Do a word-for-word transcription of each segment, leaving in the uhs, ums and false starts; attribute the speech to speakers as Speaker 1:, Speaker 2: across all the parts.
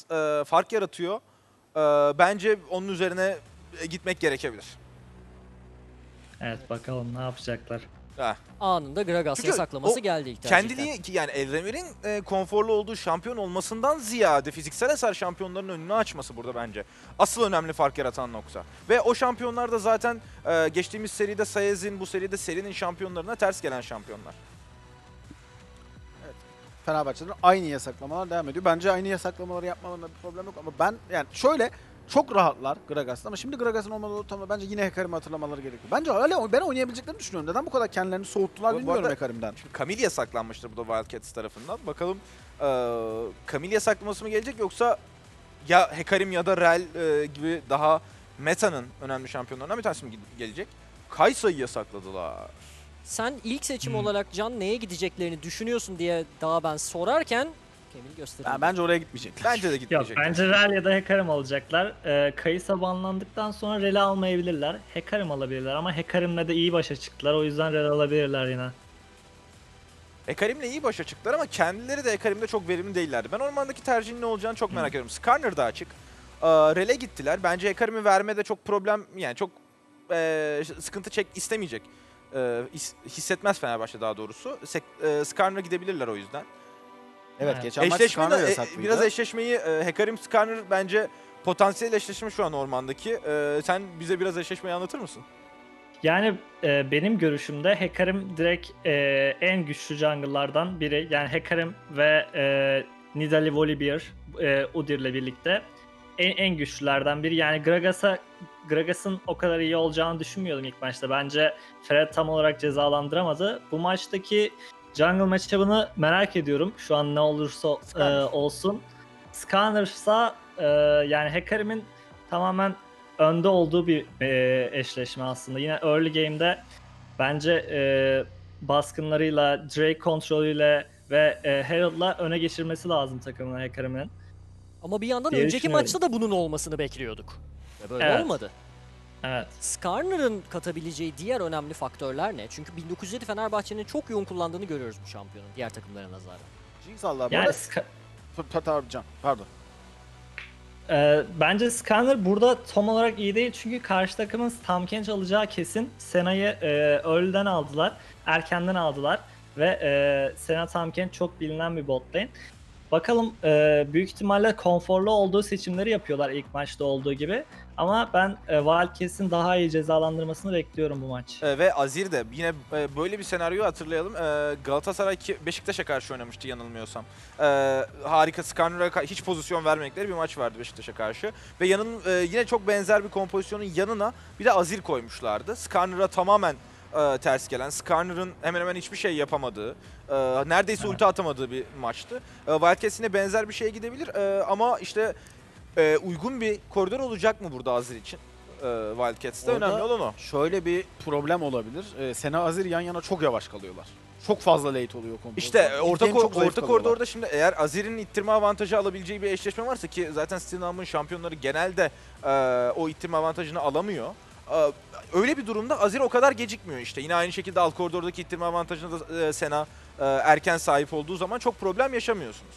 Speaker 1: e, fark yaratıyor. E, bence onun üzerine gitmek gerekebilir.
Speaker 2: Evet, bakalım ne yapacaklar.
Speaker 1: Ha.
Speaker 3: Anında Gragas
Speaker 1: Çünkü
Speaker 3: yasaklaması
Speaker 1: o
Speaker 3: geldi ilk tercihten.
Speaker 1: Kendiliği ki yani Elremir'in e, konforlu olduğu şampiyon olmasından ziyade fiziksel hasar şampiyonların önünü açması burada bence. Asıl önemli fark yaratan nokta. Ve o şampiyonlar da zaten e, geçtiğimiz seride Sayez'in, bu seride serinin şampiyonlarına ters gelen şampiyonlar.
Speaker 4: Fenerbahçe'den aynı yasaklamalar devam ediyor. Bence aynı yasaklamaları yapmalarında bir problem yok ama ben yani şöyle çok rahatlar Gragas'ta ama şimdi Gragas'ın olmadığı ortamda bence yine Hecarim'i hatırlamaları gerekiyor. Bence hala ben oynayabileceklerini düşünüyorum. Neden bu kadar kendilerini soğuttular
Speaker 1: Bu- bu
Speaker 4: bilmiyorum
Speaker 1: arada-
Speaker 4: Hecarim'den.
Speaker 1: Şimdi Camille yasaklanmıştır bu da Wildcats tarafından. Bakalım e, Camille yasaklaması mı gelecek yoksa ya Hecarim ya da Rel e, gibi daha meta'nın önemli şampiyonlarından bir tanesi mi gelecek? Kaysa'yı yasakladılar.
Speaker 3: Sen ilk seçim
Speaker 2: Hmm.
Speaker 3: olarak Can neye gideceklerini düşünüyorsun diye daha ben sorarken Kemil gösterildi.
Speaker 4: Yani bence oraya gitmeyecekler.
Speaker 1: Bence de
Speaker 2: Yok,
Speaker 1: gitmeyecek.
Speaker 2: bence Rel ya da Hecarim alacaklar. Ee, Kayısa banlandıktan sonra Rel'i almayabilirler. Hecarim alabilirler ama Hecarim'le de iyi başa çıktılar. O yüzden Rel alabilirler yine.
Speaker 1: Hecarim'le iyi başa çıktılar ama kendileri de Hecarim'de çok verimli değillerdi. Ben ormandaki tercihin ne olacağını çok merak ediyorum. Skarner da açık. Ee, Rel'e gittiler. Bence Hecarim'i vermede çok problem, yani çok e, sıkıntı çek istemeyecek. E, his- hissetmez Fenerbahçe daha doğrusu. Sek- e, Skarner'a gidebilirler o yüzden.
Speaker 4: Evet,
Speaker 2: Evet.
Speaker 4: geçen maç
Speaker 1: Eşleşme
Speaker 4: Skarner
Speaker 1: de, e,
Speaker 4: yasaklıydı.
Speaker 1: biraz eşleşmeyi e, Hecarim Skarner bence potansiyel eşleşme şu an ormandaki. E, sen bize biraz eşleşmeyi anlatır mısın?
Speaker 2: Yani e, benim görüşümde Hecarim direkt e, en güçlü jungle'lardan biri. Yani Hecarim ve e, Nidalee Volibear, e, Udyr'le birlikte en, en güçlülerden biri. Yani Gragas'a Gragas'ın o kadar iyi olacağını düşünmüyordum ilk maçta. Bence Ferhat tam olarak cezalandıramadı. Bu maçtaki jungle matchup'ını merak ediyorum. Şu an ne olursa e,
Speaker 1: Skarner.
Speaker 2: olsun. Skarner'sa e, yani Hecarim'in tamamen önde olduğu bir e, eşleşme aslında. Yine early game'de bence e, baskınlarıyla, Drake kontrolüyle ve e, Herald'la öne geçirmesi lazım takımına Hecarim'in.
Speaker 3: Ama bir yandan
Speaker 2: diye
Speaker 3: önceki
Speaker 2: düşünüyorum.
Speaker 3: maçta da bunun olmasını bekliyorduk. Ve böyle
Speaker 2: Evet.
Speaker 3: olmadı.
Speaker 2: Evet.
Speaker 3: Skarner'ın katabileceği diğer önemli faktörler ne? Çünkü bin dokuz yüz yedi Fenerbahçe'nin çok yoğun kullandığını görüyoruz bu şampiyonun diğer takımlara nazaran.
Speaker 4: Jinxallah bu
Speaker 2: Yani
Speaker 4: arada.
Speaker 2: Ska-
Speaker 4: Pa- pa- Can, pardon.
Speaker 2: e, bence Skarner burada tam olarak iyi değil çünkü karşı takımın Tahm alacağı kesin. Sena'yı e, early'den aldılar, erkenden aldılar ve e, Sena Tahm çok bilinen bir bot lane. Bakalım e, büyük ihtimalle konforlu olduğu seçimleri yapıyorlar ilk maçta olduğu gibi. Ama ben e, Wildcats'in daha iyi cezalandırmasını bekliyorum bu maç.
Speaker 1: E, ve Azir de yine e, böyle bir senaryoyu hatırlayalım. E, Galatasaray ki Beşiktaş'a karşı oynamıştı yanılmıyorsam. E, harika, Skarner'a ka- hiç pozisyon vermedikleri bir maç vardı Beşiktaş'a karşı. Ve yanın e, yine çok benzer bir kompozisyonun yanına bir de Azir koymuşlardı. Skarner'a tamamen e, ters gelen, Skarner'ın hemen hemen hiçbir şey yapamadığı, e, neredeyse
Speaker 2: Evet.
Speaker 1: ulti atamadığı bir maçtı. E, Wildcats yine benzer bir şeye gidebilir e, ama işte e, uygun bir koridor olacak mı burada Azir için? E, Wildcats'te
Speaker 4: Orada-
Speaker 1: önemli olan o.
Speaker 4: Şöyle bir problem olabilir. Ee, Sena Azir yan yana çok yavaş kalıyorlar. Çok fazla late oluyor kompozisyon.
Speaker 1: İşte e,
Speaker 4: İlk
Speaker 1: orta
Speaker 4: game
Speaker 1: ko-
Speaker 4: çok zayıf
Speaker 1: orta
Speaker 4: kalıyorlar.
Speaker 1: koridorda şimdi eğer Azir'in ittirme avantajı alabileceği bir eşleşme varsa ki zaten Stinam'ın şampiyonları genelde e, o ittirme avantajını alamıyor. E, öyle bir durumda Azir o kadar gecikmiyor işte. Yine aynı şekilde alt koridordaki ittirme avantajına da e, Sena e, erken sahip olduğu zaman çok problem yaşamıyorsunuz.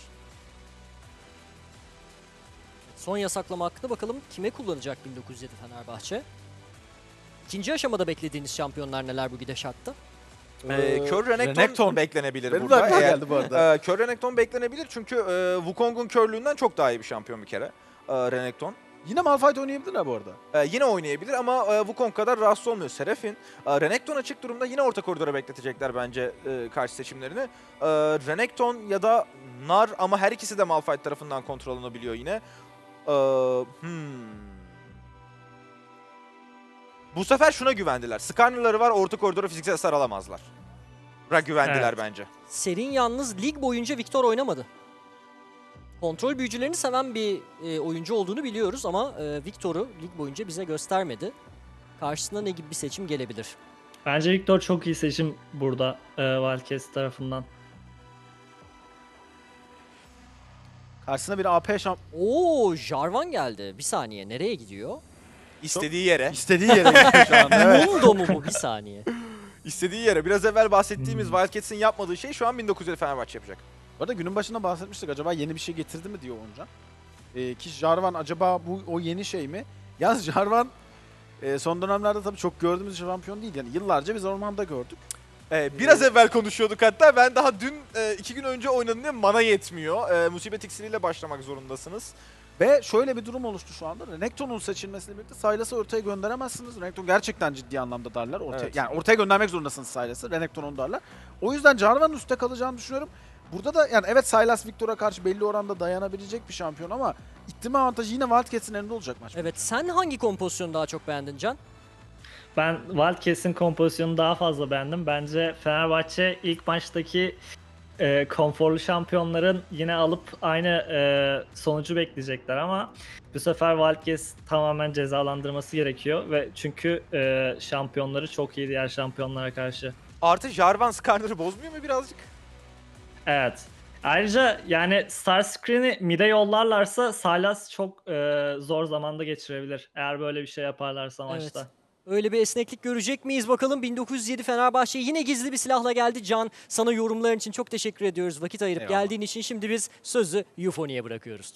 Speaker 3: Son yasaklama hakkında bakalım kime kullanacak bin dokuz yüz yedi Fenerbahçe? İkinci aşamada beklediğiniz şampiyonlar neler bu gidişatta?
Speaker 1: E, Kör Renekton,
Speaker 4: Renekton.
Speaker 1: beklenebilir
Speaker 4: Benim de
Speaker 1: burada.
Speaker 4: aklıma
Speaker 1: Eğer,
Speaker 4: geldi bu arada.
Speaker 1: e, Kör Renekton beklenebilir çünkü e, Wukong'un körlüğünden çok daha iyi bir şampiyon bir kere e, Renekton.
Speaker 4: Yine Malphite oynayabilirler bu arada.
Speaker 1: Ee, yine oynayabilir ama e, Wukong kadar rahatsız olmuyor. Serafin, e, Renekton açık durumda yine orta koridora bekletecekler bence e, karşı seçimlerini. E, Renekton ya da Nar ama her ikisi de Malphite tarafından kontrol alınabiliyor yine. E, hmm. Bu sefer şuna güvendiler. Skarner'ları var, orta koridora fiziksel hasar alamazlar. Ra güvendiler
Speaker 2: Evet.
Speaker 1: bence.
Speaker 3: Serin yalnız lig boyunca Victor oynamadı. Kontrol büyücülerini seven bir e, oyuncu olduğunu biliyoruz ama e, Victor'u lig boyunca bize göstermedi. Karşısına ne gibi bir seçim gelebilir?
Speaker 2: Bence Victor çok iyi seçim burada e, Wildcats tarafından.
Speaker 4: Karşısına bir A P şamp...
Speaker 3: Oo, Jarvan geldi. Bir saniye, nereye gidiyor?
Speaker 1: İstediği yere.
Speaker 4: İstediği yere gidiyor şu anda. Evet.
Speaker 3: Mundo mu bu? Bir saniye.
Speaker 1: İstediği yere. Biraz evvel bahsettiğimiz
Speaker 2: Hmm.
Speaker 1: Wildcats'in yapmadığı şey şu an bin dokuz yüz Fenerbahçe yapacak.
Speaker 4: Bu arada günün başında bahsetmiştik. Acaba yeni bir şey getirdi mi diyor Oncan. E, ki Jarvan acaba bu o yeni şey mi? Yalnız Jarvan e, son dönemlerde tabii çok gördüğümüz şampiyon değil. Yani yıllarca biz ormanda gördük.
Speaker 1: Ee, biraz evvel konuşuyorduk hatta. Ben daha dün e, iki gün önce oynadım diye mana yetmiyor. E, musibet iksiriyle başlamak zorundasınız.
Speaker 4: Ve şöyle bir durum oluştu şu anda. Renekton'un seçilmesiyle birlikte Sylas'ı ortaya gönderemezsiniz. Renekton gerçekten ciddi anlamda darlar. Ortaya,
Speaker 1: Evet.
Speaker 4: Yani ortaya göndermek zorundasınız Sylas'ı. Renekton onu darlar. O yüzden Jarvan'ın üstte kalacağını düşünüyorum. Burada da yani evet Sylas Victor'a karşı belli oranda dayanabilecek bir şampiyon ama ittirme avantajı yine Wildcats'in elinde olacak maç.
Speaker 3: Evet, sen hangi kompozisyonu daha çok beğendin Can?
Speaker 2: Ben Wildcats'in kompozisyonunu daha fazla beğendim. Bence Fenerbahçe ilk maçtaki e, konforlu şampiyonların yine alıp aynı e, sonucu bekleyecekler ama bu sefer Wildcats tamamen cezalandırması gerekiyor ve çünkü e, şampiyonları çok iyi diğer şampiyonlara karşı.
Speaker 1: Artı Jarvan Skarner'ı bozmuyor mu birazcık?
Speaker 2: Evet. Ayrıca yani Star Screen'i mid'e yollarlarsa Sylas çok e, zor zamanda geçirebilir. Eğer böyle bir şey yaparlarsa maçta.
Speaker 3: Evet. Öyle bir esneklik görecek miyiz bakalım. bin dokuz yüz yedi Fenerbahçe yine gizli bir silahla geldi. Can, sana yorumların için çok teşekkür ediyoruz. Vakit ayırıp
Speaker 1: Eyvallah.
Speaker 3: geldiğin için şimdi biz sözü Euphonia'ya bırakıyoruz.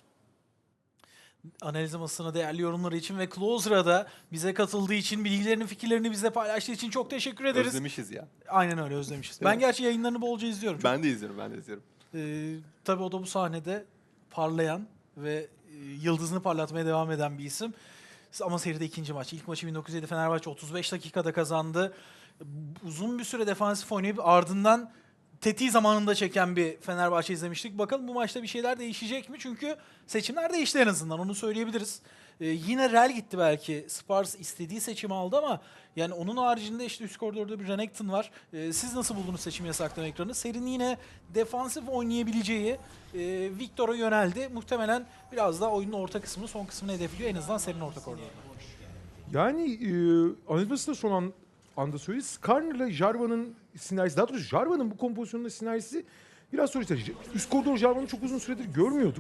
Speaker 5: Analiz masasına değerli yorumları için ve Closer'a da bize katıldığı için, bilgilerini, fikirlerini bize paylaştığı için çok teşekkür ederiz.
Speaker 6: Özlemişiz ya.
Speaker 5: Aynen öyle, özlemişiz.
Speaker 6: Değil
Speaker 5: Ben
Speaker 6: mi?
Speaker 5: gerçi yayınlarını bolca izliyorum. Çok-
Speaker 6: Ben de izliyorum, ben de izliyorum.
Speaker 5: Ee, tabii o da bu sahnede parlayan ve e, yıldızını parlatmaya devam eden bir isim. Ama seride ikinci maç. İlk maçı bin dokuz yüz yedi Fenerbahçe otuz beş dakikada kazandı. Uzun bir süre defansif oynayıp ardından tetiği zamanında çeken bir Fenerbahçe izlemiştik. Bakalım bu maçta bir şeyler değişecek mi? Çünkü seçimler değişti en azından, onu söyleyebiliriz. Ee, yine Rel gitti belki. Spars istediği seçimi aldı ama yani onun haricinde işte üst koridorda bir Renekton var. Ee, siz nasıl buldunuz seçim yasaklama ekranı? Serinin yine defansif oynayabileceği e, Victor'a yöneldi. Muhtemelen biraz daha oyunun orta kısmını, son kısmını hedefliyor. En azından serinin orta koridorunda.
Speaker 7: Yani e, analizması da son an, anda söyledi. Skarner'la Jarvan'ın sinerjisi, daha doğrusu Jarvan'ın bu kompozisyonunda sinerjisi biraz soru işareti. Üst koridor Jarvan'ı çok uzun süredir görmüyorduk.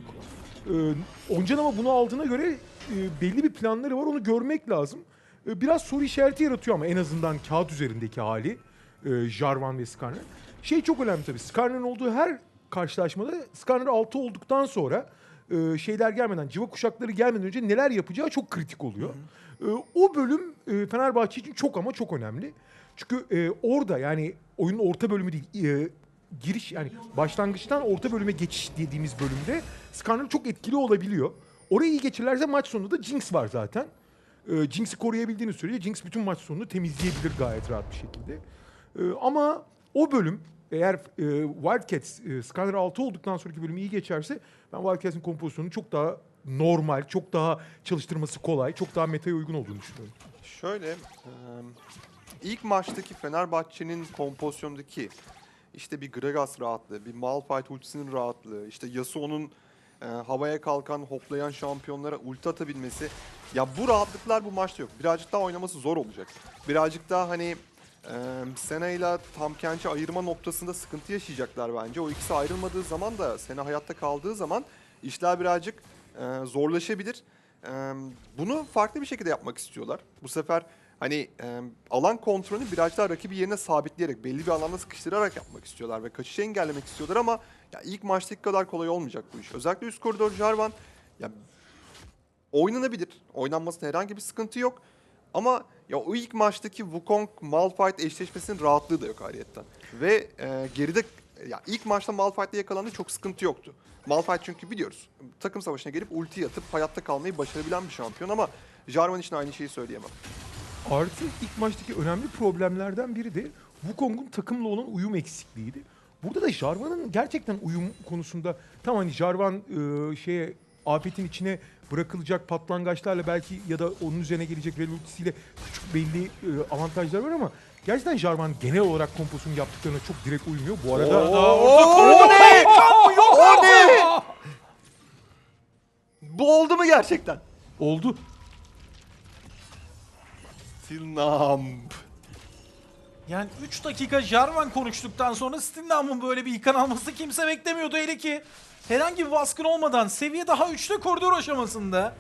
Speaker 7: E, Oncan ama bunu aldığına göre e, belli bir planları var, onu görmek lazım. E, biraz soru işareti yaratıyor ama en azından kağıt üzerindeki hali e, Jarvan ve Skarner. Şey çok önemli tabii, Skarner'ın olduğu her karşılaşmada Skarner altı olduktan sonra e, şeyler gelmeden, civa kuşakları gelmeden önce neler yapacağı çok kritik oluyor. Hı hı. E, o bölüm e, Fenerbahçe için çok ama çok önemli. Çünkü e, orada yani oyunun orta bölümü değil, e, giriş yani başlangıçtan orta bölüme geçiş dediğimiz bölümde Skarner çok etkili olabiliyor. Orayı iyi geçirirlerse maç sonunda da Jinx var zaten. E, Jinx'i koruyabildiğiniz sürece Jinx bütün maç sonunu temizleyebilir gayet rahat bir şekilde. E, ama o bölüm eğer e, Wildcats e, Skarner altı olduktan sonraki bölüm iyi geçerse ben Wildcats'in kompozisyonunu çok daha normal, çok daha çalıştırması kolay, çok daha metaya uygun olduğunu düşünüyorum.
Speaker 6: Şöyle, e, ilk maçtaki Fenerbahçe'nin kompozisyondaki işte bir Gragas rahatlığı, bir Malphite ultisinin rahatlığı, işte Yasuo'nun e, havaya kalkan, hoplayan şampiyonlara ulti atabilmesi. Ya bu rahatlıklar bu maçta yok. Birazcık daha oynaması zor olacak. Birazcık daha hani e, Senna ile Tahm Kench'i ayırma noktasında sıkıntı yaşayacaklar bence. O ikisi ayrılmadığı zaman da, Senna hayatta kaldığı zaman işler birazcık e, zorlaşabilir. E, bunu farklı bir şekilde yapmak istiyorlar. Bu sefer hani e, alan kontrolünü birazcık daha rakibi yerine sabitleyerek, belli bir alanda sıkıştırarak yapmak istiyorlar ve kaçışı engellemek istiyorlar ama ya ilk maçtaki kadar kolay olmayacak bu iş. Özellikle üst koridor Jarvan ya oynanabilir. Oynanmasında herhangi bir sıkıntı yok. Ama ya o ilk maçtaki Wukong Malphite eşleşmesinin rahatlığı da yok ayrıyetten. Ve e, geride ya ilk maçta Malphite'le yakalandı, çok sıkıntı yoktu. Malphite çünkü biliyoruz takım savaşına gelip ulti atıp hayatta kalmayı başarabilen bir şampiyon ama Jarvan için aynı şeyi söyleyemem.
Speaker 7: Artı ilk maçtaki önemli problemlerden biri de Wukong'un takımla olan uyum eksikliğiydi. Burada da Jarvan'ın gerçekten uyum konusunda tam hani Jarvan e, şeye afetin içine bırakılacak patlangaçlarla belki ya da onun üzerine gelecek Rel ultisiyle küçük belli e, avantajlar var ama gerçekten Jarvan genel olarak kompozisyonu yaptıklarına çok direkt uymuyor. Bu arada...
Speaker 6: O ne? O ne? Bu oldu mu gerçekten?
Speaker 7: Oldu.
Speaker 6: Silnamp.
Speaker 5: Yani üç dakika Jarvan konuştuktan sonra Stinlam'ın böyle bir yıkan alması kimse beklemiyordu. Hele ki herhangi bir baskın olmadan seviye daha üçte koridor aşamasında.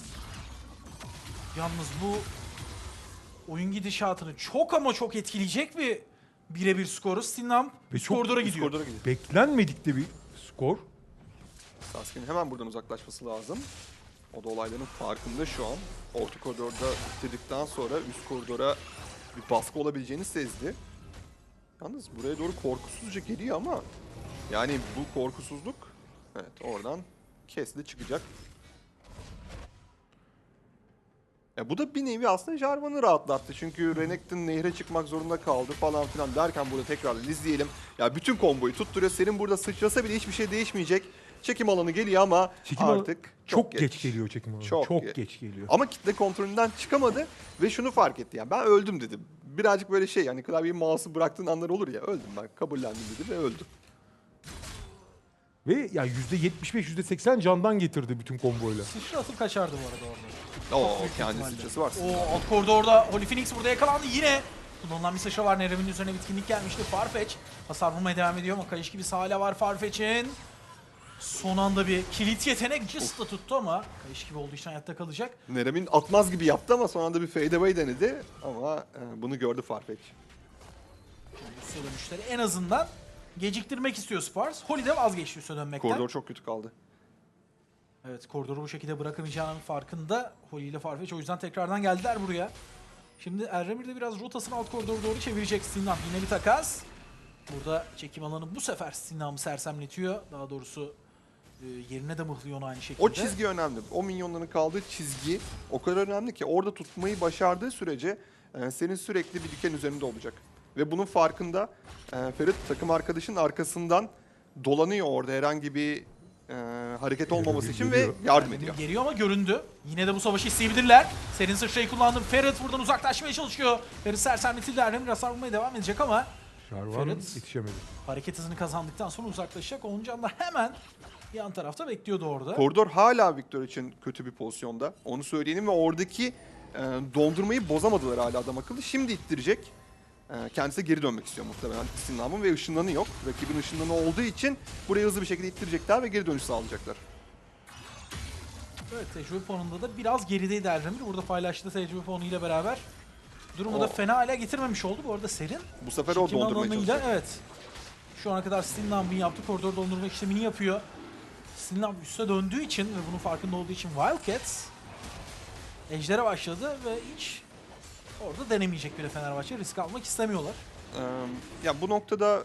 Speaker 5: Yalnız bu oyun gidişatını çok ama çok etkileyecek bir birebir skoru. Stinlam
Speaker 7: Ve
Speaker 5: üst
Speaker 7: çok
Speaker 5: koridora
Speaker 6: Üst
Speaker 5: gidiyor.
Speaker 6: koridora gidiyor.
Speaker 7: Beklenmedik de bir skor.
Speaker 6: Sasuke'nin hemen buradan uzaklaşması lazım. O da olayların farkında şu an. Orta koridorda bitirdikten sonra üst koridora bir baskı olabileceğini sezdi. Yalnız buraya doğru korkusuzca geliyor ama yani bu korkusuzluk evet oradan kesli çıkacak. Ya bu da bir nevi aslında Jarvan'ı rahatlattı. Çünkü Renekton nehre çıkmak zorunda kaldı falan filan derken burada tekrar izleyelim. Ya bütün komboyu tutturuyor. Senin burada sıçrasa bile hiçbir şey değişmeyecek. Çekim alanı geliyor ama
Speaker 7: Çekim alanı
Speaker 6: artık
Speaker 7: çok, geç. geç geliyor çekim alanı.
Speaker 6: Çok
Speaker 7: Çok,
Speaker 6: geç.
Speaker 7: geç geliyor.
Speaker 6: Ama kitle kontrolünden çıkamadı ve şunu fark etti. Yani ben öldüm dedi. Birazcık böyle şey yani klavyeyi mouse'u bıraktığın anlar olur ya. Öldüm ben kabullendim dedi ve öldü.
Speaker 7: Ve ya yüzde yetmiş beş yüzde seksen candan getirdi bütün komboyla.
Speaker 5: Sıçra atıp kaçardı bu arada orada.
Speaker 6: Oo
Speaker 5: büyük
Speaker 6: kendi
Speaker 5: ihtimalle.
Speaker 6: sıçrası var.
Speaker 5: O alt koridorda Holy Phoenix burada yakalandı yine. Kullanılan bir sıçra var. Nerem'in üzerine bitkinlik gelmişti. Farfetch hasar vurmaya devam ediyor ama kayış gibi hala var Farfetch'in. Son anda bir kilit yetenek just da tuttu ama kayış gibi olduğu için hayatta kalacak.
Speaker 6: Nerem'in atmaz gibi yaptı ama son anda bir fade away denedi. Ama e, bunu gördü Farfetch.
Speaker 5: Üste dönüşleri en azından geciktirmek istiyor Spars. Holy de vazgeçti üste dönmekten.
Speaker 6: Koridor çok kötü kaldı.
Speaker 5: Evet, koridoru bu şekilde bırakamayacağının farkında. Holy ile Farfetch o yüzden tekrardan geldiler buraya. Şimdi Erremir de biraz rotasını alt koridora doğru çevirecek. Stinam yine bir takas. Burada çekim alanı bu sefer Stinam'ı sersemletiyor. Daha doğrusu e, yerine de mıhlıyor onu aynı şekilde.
Speaker 6: O çizgi önemli. O minyonların kaldığı çizgi o kadar önemli ki orada tutmayı başardığı sürece e, senin sürekli bir diken üzerinde olacak. Ve bunun farkında e, Ferit takım arkadaşının arkasından dolanıyor orada herhangi bir e, hareket olmaması için ve
Speaker 7: geliyor.
Speaker 6: yardım
Speaker 5: Erremir
Speaker 6: ediyor.
Speaker 5: geliyor ama göründü. Yine de bu savaşı isteyebilirler. Serin sıçrayı kullandı. Ferit buradan uzaklaşmaya çalışıyor. Ferit sersemletildi. Erremir hasar vurmaya devam edecek ama
Speaker 7: Jarvan
Speaker 5: Ferit.
Speaker 7: yetişemedi.
Speaker 5: hareket hızını kazandıktan sonra uzaklaşacak. Oncan da hemen yan tarafta bekliyordu orada.
Speaker 6: Koridor hala Victor için kötü bir pozisyonda. Onu söyleyelim ve oradaki e, dondurmayı bozamadılar hala adam akıllı. Şimdi ittirecek. E, kendisi geri dönmek istiyor muhtemelen Stinam'ın ve ışınlanı yok. Rakibin ışınlanı olduğu için burayı hızlı bir şekilde ittirecekler ve geri dönüş sağlayacaklar.
Speaker 5: Evet, tecrübe puanında da biraz gerideydi Erremir. Burada paylaştığı tecrübe puanıyla beraber durumu da
Speaker 6: O-
Speaker 5: fena hale getirmemiş oldu. Bu arada Serin
Speaker 6: Bu sefer o
Speaker 5: çekim
Speaker 6: dondurmaya
Speaker 5: alanıyla,
Speaker 6: çalışacak.
Speaker 5: evet. Şu ana kadar Stinlamp'ın yaptığı koridor dondurma işlemini yapıyor. Stinlamp üste döndüğü için ve bunun farkında olduğu için Wildcats Ejder'e başladı ve hiç orada denemeyecek bile Fenerbahçe. Risk almak istemiyorlar.
Speaker 6: Ee, ya bu noktada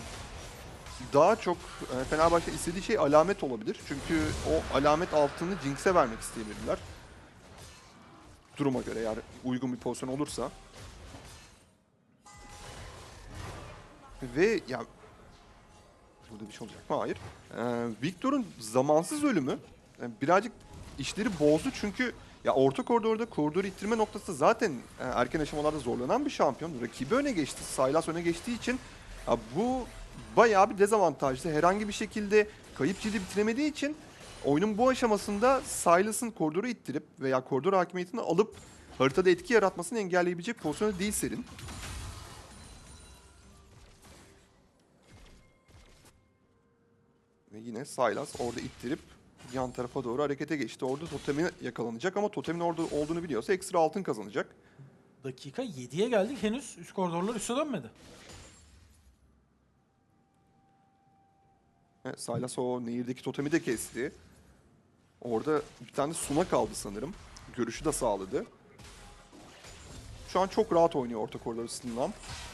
Speaker 6: daha çok e, Fenerbahçe istediği şey alamet olabilir. Çünkü o alamet altını Jinx'e vermek isteyebilirler. Duruma göre eğer uygun bir pozisyon olursa. Ve ya burada bir şey olacak mı? Hayır. Ee, Victor'un zamansız ölümü e, birazcık işleri bozdu çünkü ya orta koridorda koridoru ittirme noktası zaten e, erken aşamalarda zorlanan bir şampiyon. Rakibi öne geçti. Sylas öne geçtiği için ya bu bayağı bir dezavantajlı. Herhangi bir şekilde kayıp cildi bitiremediği için oyunun bu aşamasında Sylas'ın koridoru ittirip veya koridor hakimiyetini alıp haritada etki yaratmasını engelleyebilecek pozisyonda değil Serin. Ve yine Sylas orada ittirip yan tarafa doğru harekete geçti. Orada totemi yakalanacak ama totemin orada olduğunu biliyorsa ekstra altın kazanacak.
Speaker 5: Dakika yediye geldik. Henüz üst koridorlar üste dönmedi.
Speaker 6: Evet, Sylas o nehirdeki totemi de kesti. Orada bir tane Suna kaldı sanırım. Görüşü de sağladı. Şu an çok rahat oynuyor orta koridor üstünden.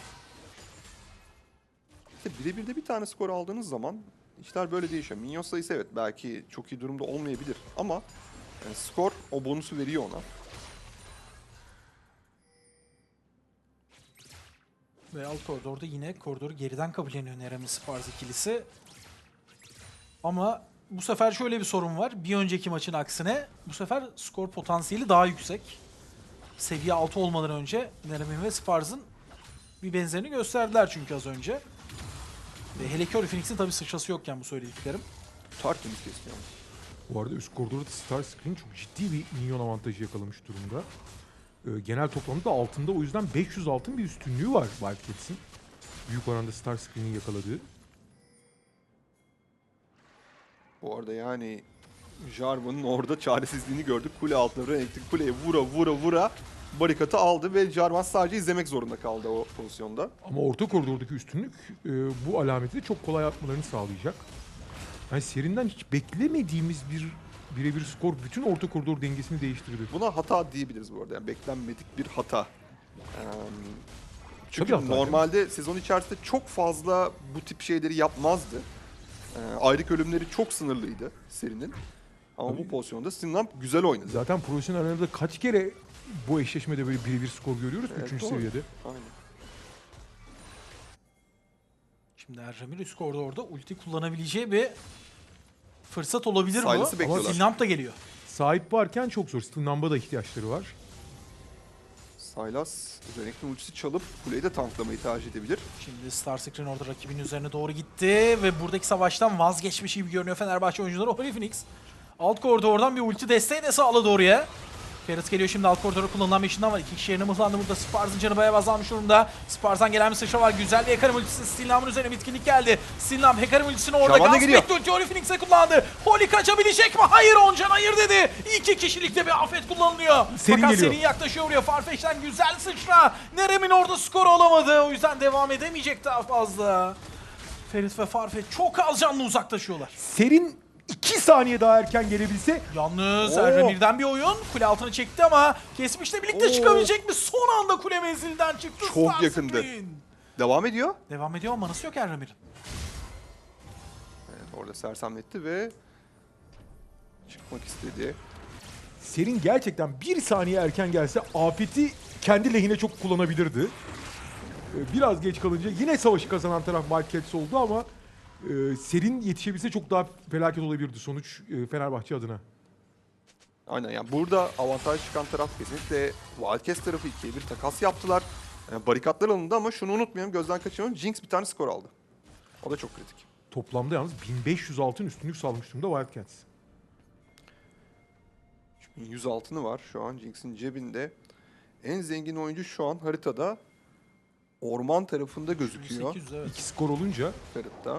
Speaker 6: İşte birebir de bir tane skor aldığınız zaman işler böyle değişiyor. Minyon sayısı evet belki çok iyi durumda olmayabilir ama yani skor o bonusu veriyor ona.
Speaker 5: Ve alt koridorda yine koridoru geriden kabulleniyor Nerem'in Spars ikilisi. Ama bu sefer şöyle bir sorun var. Bir önceki maçın aksine bu sefer skor potansiyeli daha yüksek. Seviye altı olmadan önce Nerem'in ve Spars'ın bir benzerini gösterdiler çünkü az önce. Ve hele ki Phoenix'in tabii sıçrası yokken bu söylediklerim.
Speaker 6: Tertemiz kesiyor.
Speaker 7: Bu arada üst koridorda Starscream çok ciddi bir minyon avantajı yakalamış durumda. Ee, genel toplamda altında o yüzden beş yüz altın bir üstünlüğü var Wildcats'in. Büyük oranda Starscream'in yakaladığı.
Speaker 6: Bu arada yani Jarvan'ın orada çaresizliğini gördük. Kule altına Renekton kuleye vura vura vura barikatı aldı ve Jarvan sadece izlemek zorunda kaldı o pozisyonda.
Speaker 7: Ama orta koridordaki üstünlük e, bu alameti de çok kolay atmalarını sağlayacak. Yani serinden hiç beklemediğimiz bir birebir skor bütün orta koridor dengesini değiştirdi.
Speaker 6: Buna hata diyebiliriz bu arada. Yani beklenmedik bir hata. Ee, çünkü
Speaker 7: Tabii hata,
Speaker 6: normalde sezon içerisinde çok fazla bu tip şeyleri yapmazdı. Ee, ayrık ölümleri çok sınırlıydı serinin. Ama
Speaker 7: Tabii.
Speaker 6: bu pozisyonda Stinlamp güzel oynadı.
Speaker 7: Zaten profesyonel arenada kaç kere bu eşleşmede böyle birebir skor görüyoruz
Speaker 6: Evet,
Speaker 7: üçüncü
Speaker 6: doğru.
Speaker 7: seviyede.
Speaker 6: Aynen.
Speaker 5: Şimdi Erdemir üst koridorda ulti kullanabileceği bir fırsat olabilir bu.
Speaker 6: Silas'ı bekliyorlar.
Speaker 5: Stinlamp da geliyor.
Speaker 7: Sahip varken çok zor. Stinlamp'a da ihtiyaçları var.
Speaker 6: Sylas, Renekton ultisi çalıp kuleyi de tanklamayı tercih edebilir.
Speaker 5: Şimdi Starscream orada rakibin üzerine doğru gitti ve buradaki savaştan vazgeçmiş gibi görünüyor Fenerbahçe oyuncuları. Holy Phoenix alt koridordan bir ulti desteği de sağladı oraya. Ferit geliyor şimdi alt koridora kullanılan bir işinden var. İki kişi yerine mızlandı burada. Spars'ın canı bayağı azalmış durumda. Spars'tan gelen bir sıçra var. Güzel bir Hecarim ultisi. Stinlamp'ın üzerine bitkinlik geldi. Stinlamp Hecarim ultisini orada
Speaker 6: Şaban da geliyor.
Speaker 5: gasp etti. Ulti Holy Phoenix'e kullandı. Holy kaçabilecek mi? Hayır Oncan hayır dedi. İki kişilikte bir afet kullanılıyor.
Speaker 7: Serin
Speaker 5: Fakat
Speaker 7: geliyor.
Speaker 5: Serin yaklaşıyor buraya. Farfetch'ten güzel sıçra. Nerem'in orada skoru olamadı. O yüzden devam edemeyecek daha fazla. Ferit ve Farfetch çok az canlı uzaklaşıyorlar.
Speaker 7: Serin iki saniye daha erken gelebilse
Speaker 5: Yalnız
Speaker 6: Oo.
Speaker 5: Erdemir'den bir oyun. Kule altına çekti ama Kesmiş'le birlikte
Speaker 6: Oo.
Speaker 5: çıkabilecek mi? Son anda kule menzilden çıktı.
Speaker 6: Çok
Speaker 5: Starscream.
Speaker 6: yakındı. Devam ediyor.
Speaker 5: Devam ediyor ama manası yok Erdemir'in.
Speaker 6: Evet, orada sersemletti ve çıkmak istedi.
Speaker 7: Serin gerçekten bir saniye erken gelse afeti kendi lehine çok kullanabilirdi. Ee, Biraz geç kalınca yine savaşı kazanan taraf Wildcats oldu ama e, Serin yetişebilse çok daha felaket olabilirdi sonuç e, Fenerbahçe adına.
Speaker 6: Aynen yani burada avantaj çıkan taraf kesinlikle Wildcats tarafı ikiye bir takas yaptılar. Yani barikatlar alındı ama şunu unutmayalım, gözden kaçırmayalım. Jinx bir tane skor aldı. O da çok kritik.
Speaker 7: Toplamda yalnız bin beş yüz altın üstünlük sağlamış durumda Wildcats.
Speaker 6: yüz altını var şu an Jinx'in cebinde. En zengin oyuncu şu an haritada orman tarafında gözüküyor.
Speaker 5: sekiz yüz evet.
Speaker 7: İki skor olunca
Speaker 6: Ferit'te.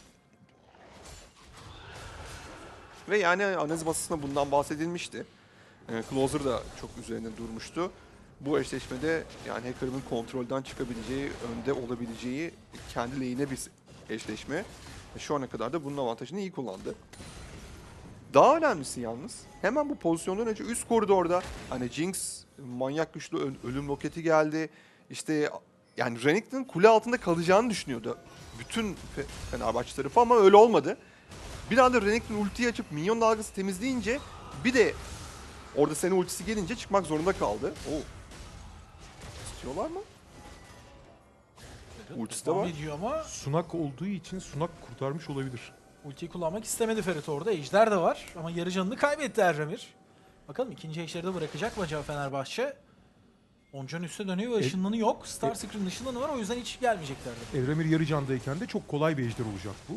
Speaker 6: Ve yani analiz masasında bundan bahsedilmişti. Ee, Closer da çok üzerine durmuştu. Bu eşleşmede yani Hecarim'in kontrolden çıkabileceği, önde olabileceği kendi lehine bir eşleşme. E, Şu ana kadar da bunun avantajını iyi kullandı. Daha önemlisi yalnız hemen bu pozisyondan önce üst koridorda hani Jinx manyak güçlü ö- ölüm roketi geldi. İşte yani Renekton kule altında kalacağını düşünüyordu bütün Fe- Fenerbahçe tarafı ama öyle olmadı. Bir anda Renekton ultiyi açıp minyon dalgası temizleyince bir de orada Senna ultisi gelince çıkmak zorunda kaldı. Oo. İstiyorlar mı? Ultisi de
Speaker 5: Devam
Speaker 6: var.
Speaker 5: ediyor ama
Speaker 7: Sunak olduğu için Sunak kurtarmış olabilir.
Speaker 5: ultiyi kullanmak istemedi Ferit orada. Ejder de var ama yarı canını kaybetti Erdemir. Bakalım ikinci ejderi de bırakacak mı acaba Fenerbahçe? Oncan üste dönüyor ve
Speaker 7: E-
Speaker 5: ışınlanı yok. Starscream'in ışınlanı var o yüzden hiç gelmeyeceklerdi.
Speaker 7: Evremir yarı candayken de çok kolay bir ejder olacak bu.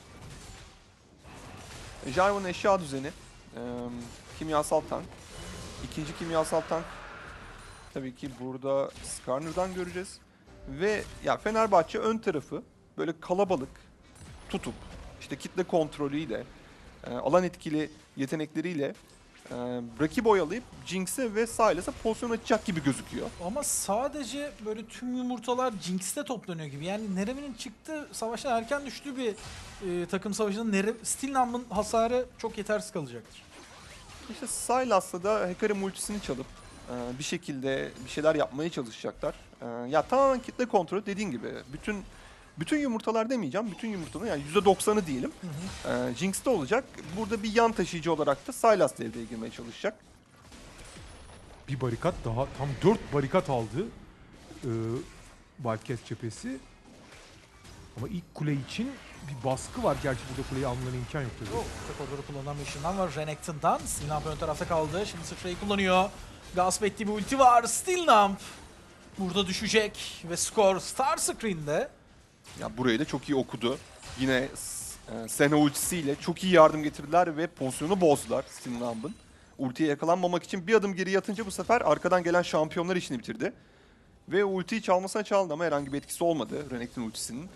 Speaker 6: Jarvan'ın eşya düzeni, eee, kimyasal tank. İkinci kimyasal tank tabii ki burada Skarner'dan göreceğiz. Ve ya Fenerbahçe ön tarafı böyle kalabalık tutup işte kitle kontrolüyle, eee, alan etkili yetenekleriyle eee rakip oyalayıp Jinx'e ve Sylas'a pozisyon açacak gibi gözüküyor.
Speaker 5: Ama sadece böyle tüm yumurtalar Jinx'te toplanıyor gibi. Yani Nerem'in çıktığı savaştan erken düştüğü bir e, takım savaşında Nerem, Stinlamp'ın hasarı çok yetersiz kalacaktır.
Speaker 6: İşte Sylas'la da Hecarim ultisini çalıp e, bir şekilde bir şeyler yapmaya çalışacaklar. E, ya tamamen kitle kontrolü dediğin gibi. Bütün bütün yumurtalar demeyeceğim. Bütün yumurtanın yani yüzde doksanı diyelim. E, Jinx'te olacak. Burada bir yan taşıyıcı olarak da Sylas devreye girmeye çalışacak.
Speaker 7: Bir barikat daha, tam dört barikat aldı e, Wildcats cephesi. Ama ilk kule için bir baskı var. Gerçi burada kuleyi almalarına imkan yok tabii.
Speaker 5: Oh, koridoru kullanılan bir ışından var Renekton'dan. Stinlamp ön tarafta kaldı. Şimdi sıçrayı kullanıyor. Gasp ettiği bir ulti var. Stinlamp burada düşecek ve skor Starscream'de.
Speaker 6: Ya burayı da çok iyi okudu. Yine e, Senna ultisiyle çok iyi yardım getirdiler ve pozisyonu bozdular Stinlamp'ın. Ultiye yakalanmamak için bir adım geri yatınca bu sefer arkadan gelen şampiyonlar işini bitirdi. Ve ultiyi çalmasına çaldı ama herhangi bir etkisi olmadı Renekton ultisinin.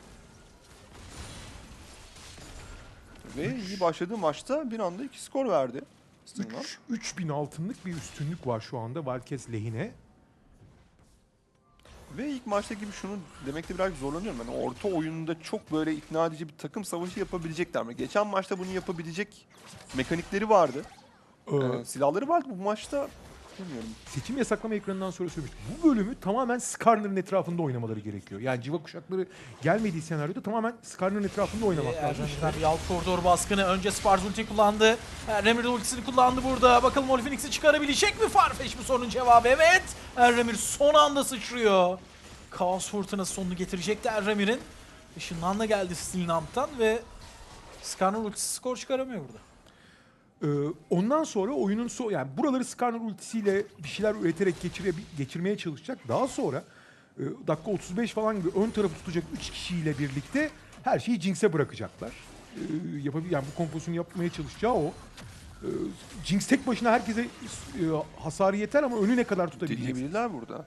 Speaker 6: Ve iyi başladığı maçta bir anda iki skor verdi. Stinlamp.
Speaker 7: üç bin altınlık bir üstünlük var şu anda Wildcats lehine.
Speaker 6: Ve ilk maçta gibi şunu demekte biraz zorlanıyorum. Yani orta oyununda çok böyle ikna edici bir takım savaşı yapabilecekler mi? Geçen maçta bunu yapabilecek mekanikleri vardı.
Speaker 7: Ee,
Speaker 6: Ee, silahları vardı. Bu maçta bilmiyorum.
Speaker 7: seçim yasaklama ekranından sonra söylemiştim. Bu bölümü tamamen Skarner'ın etrafında oynamaları gerekiyor. Yani civa kuşakları gelmediği senaryoda tamamen Skarner'ın etrafında oynamak lazım.
Speaker 5: Erdemir'den bir alt koridor baskını. Önce Spars ulti kullandı. Erdemir de ultisini kullandı burada. Bakalım Holy Phoenix'i çıkarabilecek mi Farfetch bu sorunun cevabı? Evet. Erdemir son anda sıçrıyor. Kaos fırtınası sonunu getirecekti Erdemir'in. Işınlan da geldi Stilnamp'tan ve Skarner ultisi skor çıkaramıyor burada.
Speaker 7: Ee, ondan sonra oyunun so yani buraları Skarner ultisiyle bir şeyler üreterek geçire geçirmeye çalışacak. Daha sonra e, dakika otuz beş falan gibi ön tarafı tutacak üç kişiyle birlikte her şeyi Jinx'e bırakacaklar. Ee, yapabil yani bu kompozisyonu yapmaya çalışacağı o. Ee, Jinx tek başına herkese e, hasarı yeter ama önü ne kadar tutabilecek?
Speaker 6: Deneyebilirler burada.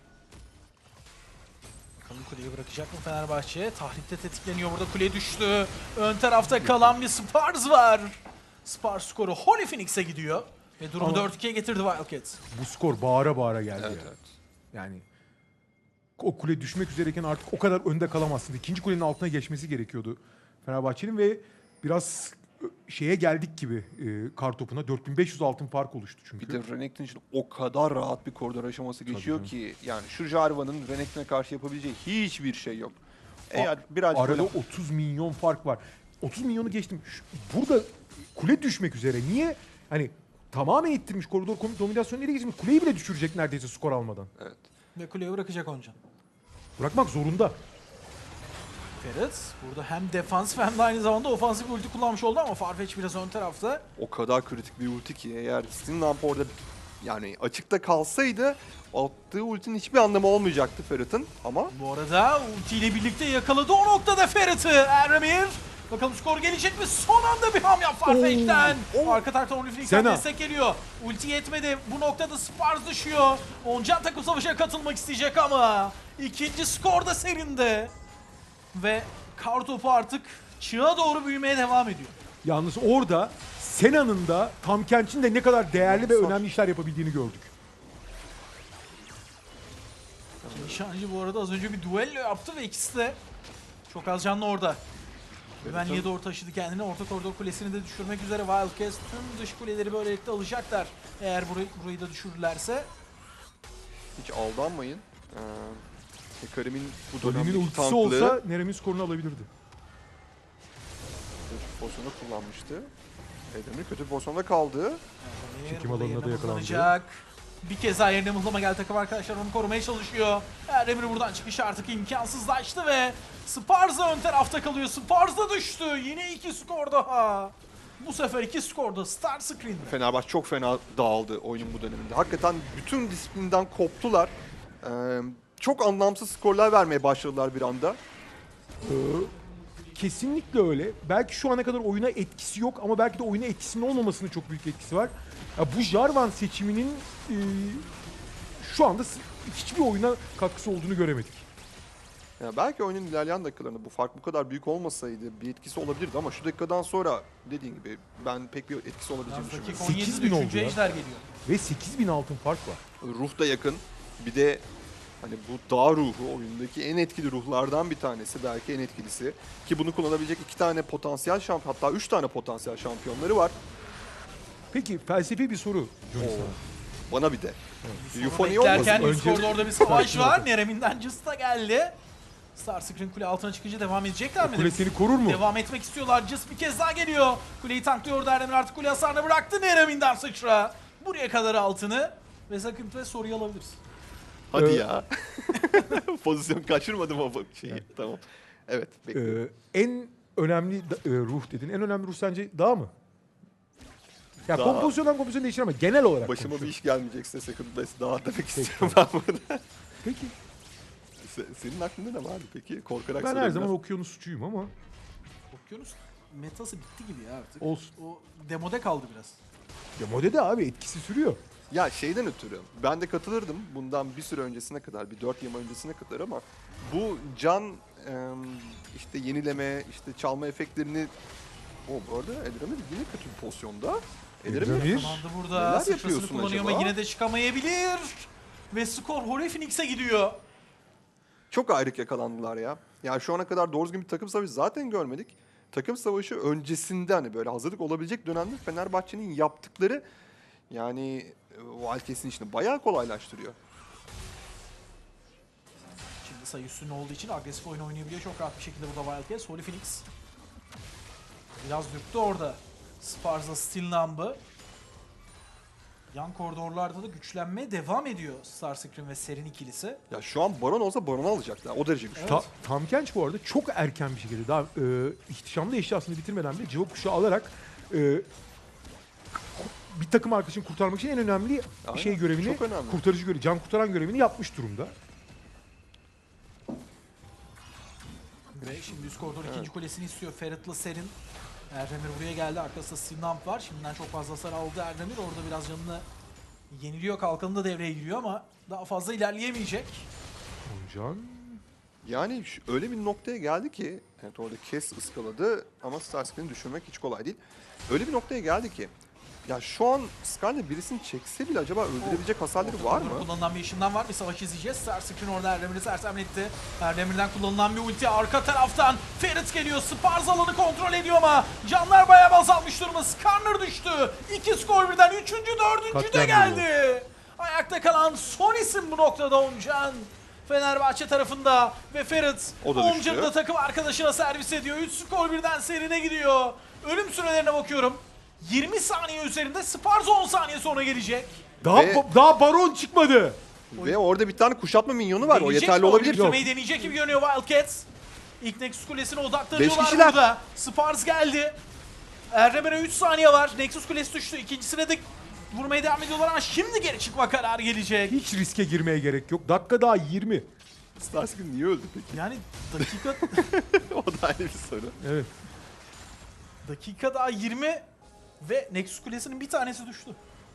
Speaker 5: Bakalım kuleyi bırakacak mı Fenerbahçe? Tahrikte tetikleniyor burada, kule düştü. Ön tarafta kalan bir Spars var. Spars skoru Holy Phoenix'e gidiyor. Ve durumu
Speaker 7: Ama-
Speaker 5: dört ikiye getirdi Wildcats.
Speaker 7: Bu skor bağıra bağıra geldi.
Speaker 6: Evet,
Speaker 7: yani.
Speaker 6: evet.
Speaker 7: Yani o kule düşmek üzereyken artık o kadar önde kalamazsın. İkinci kulenin altına geçmesi gerekiyordu Fenerbahçe'nin ve biraz şeye geldik gibi e, kartopuna dört bin beş yüz altın fark oluştu çünkü.
Speaker 6: Bir de Renekton için o kadar rahat bir koridor aşaması geçiyor
Speaker 7: canım.
Speaker 6: ki yani şu Jarvan'ın Renekton'a karşı yapabileceği hiçbir şey yok. Eğer birazcık
Speaker 7: Arada
Speaker 6: böyle-
Speaker 7: otuz milyon fark var. otuz milyonu geçtim. Şu- burada kule düşmek üzere. Niye? Hani tamamen ittirmiş koridor kom- dominasyonu nereye geçmiş? Kuleyi bile düşürecek neredeyse skor almadan.
Speaker 6: Evet.
Speaker 5: Ve kuleyi bırakacak Oncan.
Speaker 7: Bırakmak zorunda.
Speaker 5: Ferit burada hem defansif hem de aynı zamanda ofansif bir ulti kullanmış oldu ama Farfetch biraz ön tarafta.
Speaker 6: O kadar kritik bir ulti ki eğer Stinlamp orada yani açıkta kalsaydı attığı ultinin hiçbir anlamı olmayacaktı Ferit'in ama
Speaker 5: Bu arada ultiyle birlikte yakaladı o noktada Ferit'i Eremir. Bakalım skor gelecek mi? Son anda bir hamle Farfetch'ten. Arka taraftan Holy Phoenix'ten
Speaker 7: Sena.
Speaker 5: destek geliyor. Ulti yetmedi. Bu noktada Spars düşüyor. Oncan takım savaşa katılmak isteyecek ama ikinci skor da serinde. Ve kartopu artık çığa doğru büyümeye devam ediyor.
Speaker 7: Yalnız orada Sena'nın da Tam Kench'in de ne kadar değerli ve
Speaker 6: Zor.
Speaker 7: önemli işler yapabildiğini gördük.
Speaker 5: Nişancı bu arada az önce bir duello yaptı ve ikisi de çok az canlı orada. Güvenliğe doğru taşıdı kendini. Orta koridor kulesini de düşürmek üzere Wildcats tüm dış kuleleri böylelikle alacaklar. Eğer burayı, burayı da düşürürlerse.
Speaker 6: hiç aldanmayın. Ee, Hekarim'in bu
Speaker 7: Doli'nin
Speaker 6: dönemdeki
Speaker 7: ultisi
Speaker 6: tanklığı
Speaker 7: olsa Nerem'in skorunu alabilirdi.
Speaker 6: kötü bir pozisyonda kullanmıştı. Edemir kötü bir pozisyonda kaldı.
Speaker 7: Çekim
Speaker 5: Burada
Speaker 7: alanına
Speaker 5: yerine
Speaker 7: da yakalandı.
Speaker 5: mıhlanacak. Bir kez daha yerine mıhlama geldi takım arkadaşlar onu korumaya çalışıyor. Erdemir buradan çıkış artık imkansızlaştı ve Spars da ön tarafta kalıyor. Spars da düştü. Yine iki skor daha. Bu sefer iki skor da Star Screen'de.
Speaker 6: Fenerbahçe çok fena dağıldı oyunun bu döneminde. Hakikaten bütün disiplinden koptular. Ee, çok anlamsız skorlar vermeye başladılar bir anda.
Speaker 7: Ee, kesinlikle öyle. Belki şu ana kadar oyuna etkisi yok ama belki de oyuna etkisinin olmamasının çok büyük etkisi var. Ya bu Jarvan seçiminin e, şu anda s- hiçbir oyuna katkısı olduğunu göremedik.
Speaker 6: Yani belki oyunun ilerleyen dakikalarında bu fark bu kadar büyük olmasaydı bir etkisi olabilirdi ama şu dakikadan sonra dediğin gibi ben pek bir etkisi olabileceğini
Speaker 5: Dakika
Speaker 6: düşünmüyorum.
Speaker 5: on
Speaker 7: sekiz
Speaker 5: yedide
Speaker 7: bin
Speaker 5: üçüncü
Speaker 7: oldu ya.
Speaker 5: ejder geliyor.
Speaker 7: Ve sekiz bin altın fark var.
Speaker 6: Ruh da yakın. Bir de hani bu dağ ruhu oyundaki en etkili ruhlardan bir tanesi, belki en etkilisi. Ki bunu kullanabilecek iki tane potansiyel şampiyon, hatta üç tane potansiyel şampiyonları var.
Speaker 7: Peki felsefi bir soru Johnny
Speaker 6: Oo.
Speaker 7: sana.
Speaker 6: Bana bir de.
Speaker 5: Sonra
Speaker 6: Euphony
Speaker 5: beklerken
Speaker 6: olmasın.
Speaker 5: üst
Speaker 7: Önce-
Speaker 5: koridorda bir savaş
Speaker 7: Sakin
Speaker 5: var.
Speaker 7: ol.
Speaker 5: Nerem'inden Just da geldi. Star Screen kule altına çıkınca devam edecekler mi?
Speaker 7: Kule seni korur mu?
Speaker 5: Devam etmek istiyorlar. Just bir kez daha geliyor. Kuleyi tanklıyor Erdemir artık kule hasarını bıraktı Nerem'inden sıçra. Buraya kadar altını ve sakın ve soruyu alabiliriz.
Speaker 6: Hadi
Speaker 7: Ee,
Speaker 6: ya. Pozisyon kaçırmadım o şeyi. Tamam. Evet. bekliyorum.
Speaker 7: Ee, en önemli da- e, ruh dedin. En önemli ruh sence dağ mı? Ya
Speaker 6: Dağ.
Speaker 7: kompozisyondan kompozisyona değişir ama genel olarak
Speaker 6: Başıma bir
Speaker 7: konuşuyorum.
Speaker 6: iş gelmeyecekse Second Best daha demek istiyorum ben burada.
Speaker 7: Peki.
Speaker 6: Se- Senin aklında ne vardı peki? Korkarak
Speaker 7: Ben her
Speaker 6: soruyorum
Speaker 7: zaman
Speaker 6: biraz.
Speaker 7: okyanusçuyum ama
Speaker 5: Okyanus metası bitti gibi ya artık.
Speaker 7: olsun.
Speaker 5: O demode kaldı biraz.
Speaker 7: Ya modede abi etkisi sürüyor.
Speaker 6: Ya şeyden ötürü ben de katılırdım bundan bir süre öncesine kadar, bir dört yıl öncesine kadar ama bu can em, işte yenileme, işte çalma efektlerini o bu arada Edremir yine kötü bir pozisyonda. Edremir
Speaker 7: Edremir.
Speaker 5: Zamanında
Speaker 6: Neler
Speaker 5: burada sıçrasını
Speaker 6: yapıyorsun
Speaker 5: kullanıyor
Speaker 6: acaba?
Speaker 5: ama yine de çıkamayabilir. Ve skor Holy Phoenix'e gidiyor.
Speaker 6: çok ayrık yakalandılar ya. Yani şu ana kadar doğru düzgün bir takım savaşı zaten görmedik. Takım savaşı öncesinde hani böyle hazırlık olabilecek dönemde Fenerbahçe'nin yaptıkları yani e, Wildcats'in işini bayağı kolaylaştırıyor.
Speaker 5: Şimdi sayı üstünün olduğu için agresif oyun oynayabiliyor çok rahat bir şekilde burada Wildcats. Holy Phoenix biraz dürttü orada. Sparza Steel Numb'ı. Yan koridorlarda da güçlenmeye devam ediyor Starscream ve Serin ikilisi.
Speaker 6: Ya şu an Baron olsa Baron'u alacaklar. O derece güçlü.
Speaker 7: Ta, Tam Kench bu arada çok erken bir şekilde daha e, ihtişamlı eşyasını bitirmeden bile cıvık kuşağı alarak e, bir takım arkadaşını kurtarmak için en önemli
Speaker 6: Aynen,
Speaker 7: şey görevini,
Speaker 6: çok önemli.
Speaker 7: kurtarıcı görevi, can kurtaran görevini yapmış durumda.
Speaker 5: Ve şimdi üst koridor ikinci kulesini istiyor. Ferit'le Serin. Erdemir buraya geldi. Arkasında Sinamp var. Şimdiden çok fazla hasar aldı Erdemir. Orada biraz canını yeniliyor. Kalkanı da devreye giriyor ama daha fazla ilerleyemeyecek.
Speaker 7: Oncan.
Speaker 6: Yani şu- öyle bir noktaya geldi ki, evet orada Kes ıskaladı ama Starscream'i düşürmek hiç kolay değil. Öyle bir noktaya geldi ki, ya şu an Skarner birisini çekse bile acaba öldürebilecek hasarları var mı?
Speaker 5: Kullanılan bir ışından var. Bir savaş izleyeceğiz. Starscream orada Erdemir'i sersemletti. Erdemir'den kullanılan bir ulti. Arka taraftan Ferit geliyor. Spars alanı kontrol ediyor ama canlar bayağı azalmış durumda. Skarner düştü. İki skor birden. Üçüncü, dördüncü de
Speaker 7: Katliam
Speaker 5: geldi. Ayakta kalan son isim bu noktada Oncan. Fenerbahçe tarafında ve Ferit
Speaker 6: O da düştü.
Speaker 5: Oncan'ı da takım arkadaşına servis ediyor. üç skor birden serine gidiyor. Ölüm sürelerine bakıyorum. yirmi saniye üzerinde Spars on saniye sonra gelecek.
Speaker 7: Daha
Speaker 6: Ve-
Speaker 7: ba- daha baron çıkmadı.
Speaker 6: Ve orada bir tane kuşatma minyonu var. O
Speaker 5: Deneyecek
Speaker 6: yeterli
Speaker 5: mi?
Speaker 6: olabilir.
Speaker 5: Oyunu bitirmeyi deneyecek gibi görünüyor Wildcats. İlk Nexus Kulesi'ne odaklanıyorlar
Speaker 6: Beş kişiler.
Speaker 5: burada. Spars geldi. Erdemir'e üç saniye var. Nexus Kulesi düştü. İkincisine de vurmaya devam ediyorlar ama şimdi geri çıkma kararı gelecek.
Speaker 7: Hiç riske girmeye gerek yok. Dakika daha yirmi.
Speaker 6: Starscream niye öldü peki?
Speaker 5: Yani dakika
Speaker 6: O da ayrı bir soru.
Speaker 7: Evet.
Speaker 5: dakika daha yirmi ve Nexus Kulesi'nin bir tanesi düştü.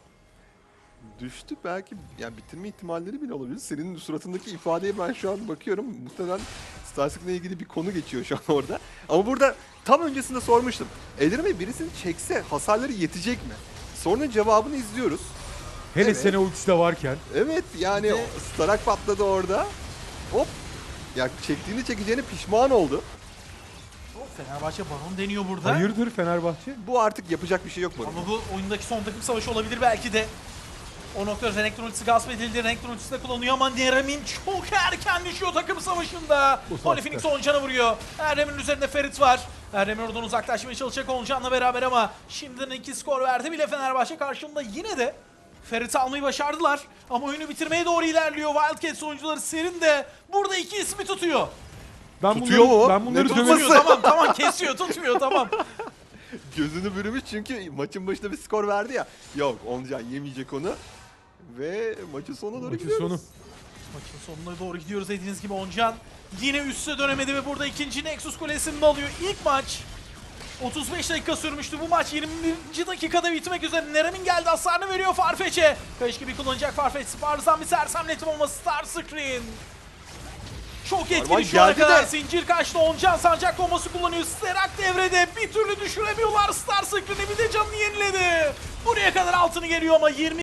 Speaker 6: Düştü belki, yani bitirme ihtimalleri bile olabilir. Senin suratındaki ifadeye ben şu an bakıyorum. Muhtemelen Starscream'le ilgili bir konu geçiyor şu an orada. Ama burada tam öncesinde sormuştum. Ellerime birisini çekse hasarları yetecek mi? Sorunun cevabını izliyoruz.
Speaker 7: Hele
Speaker 6: Evet.
Speaker 7: sene ultisi de varken.
Speaker 6: Evet yani
Speaker 5: Bir de-
Speaker 6: o Starak patladı orada. Hop. Ya çektiğini çekeceğine pişman oldu.
Speaker 5: Oh, Fenerbahçe Baron deniyor burada.
Speaker 7: Hayırdır Fenerbahçe?
Speaker 6: Bu artık yapacak bir şey yok bu.
Speaker 5: Ama bu oyundaki son takım savaşı olabilir belki de. O noktada Renekton ultisi gasp edildi. Renekton ultisi de kullanıyor ama Nerem'in çok erken düşüyor takım savaşında.
Speaker 7: Bu
Speaker 5: Holy
Speaker 7: saatte.
Speaker 5: Phoenix Oncan'a vuruyor. Erdemir'in üzerinde Ferit var. Erdemir oradan uzaklaşmaya çalışacak Oncan'la beraber ama şimdiden iki skor verdi bile Fenerbahçe karşılığında yine de Ferit'i almayı başardılar. Ama oyunu bitirmeye doğru ilerliyor. Wildcats oyuncuları Serin de burada iki ismi tutuyor.
Speaker 7: Ben
Speaker 6: Tutuyor
Speaker 7: bunları,
Speaker 6: mu?
Speaker 7: Ben bunları
Speaker 6: Ne
Speaker 7: döverim.
Speaker 6: tutması?
Speaker 5: Tutuyor tamam tamam kesiyor tutmuyor tamam.
Speaker 6: Gözünü bürümüş çünkü maçın başında bir skor verdi ya. Yok Oncan yemeyecek onu. Ve maçın sonuna doğru
Speaker 7: Maçın
Speaker 6: gidiyoruz.
Speaker 7: sonu.
Speaker 5: Maçın sonuna doğru gidiyoruz dediğiniz gibi Oncan yine üste dönemedi ve burada ikinci Nexus Kulesi'ni de alıyor. İlk maç otuz beş dakika sürmüştü. Bu maç yirminci dakikada bitmek üzere. Nerem'in geldi hasarını veriyor Farfetch'e. Kayış gibi kullanacak Farfetch. Spars'dan bir sersemletim ama Starscream çok etkili
Speaker 6: Arman
Speaker 5: şu ana
Speaker 6: geldi
Speaker 5: kadar.
Speaker 6: de.
Speaker 5: Zincir kaçtı. Oncan sancak bombası kullanıyor. Sterak devrede. Bir türlü düşüremiyorlar Starscream'i. Bir de canını yeniledi. Buraya kadar altını geliyor ama yirmi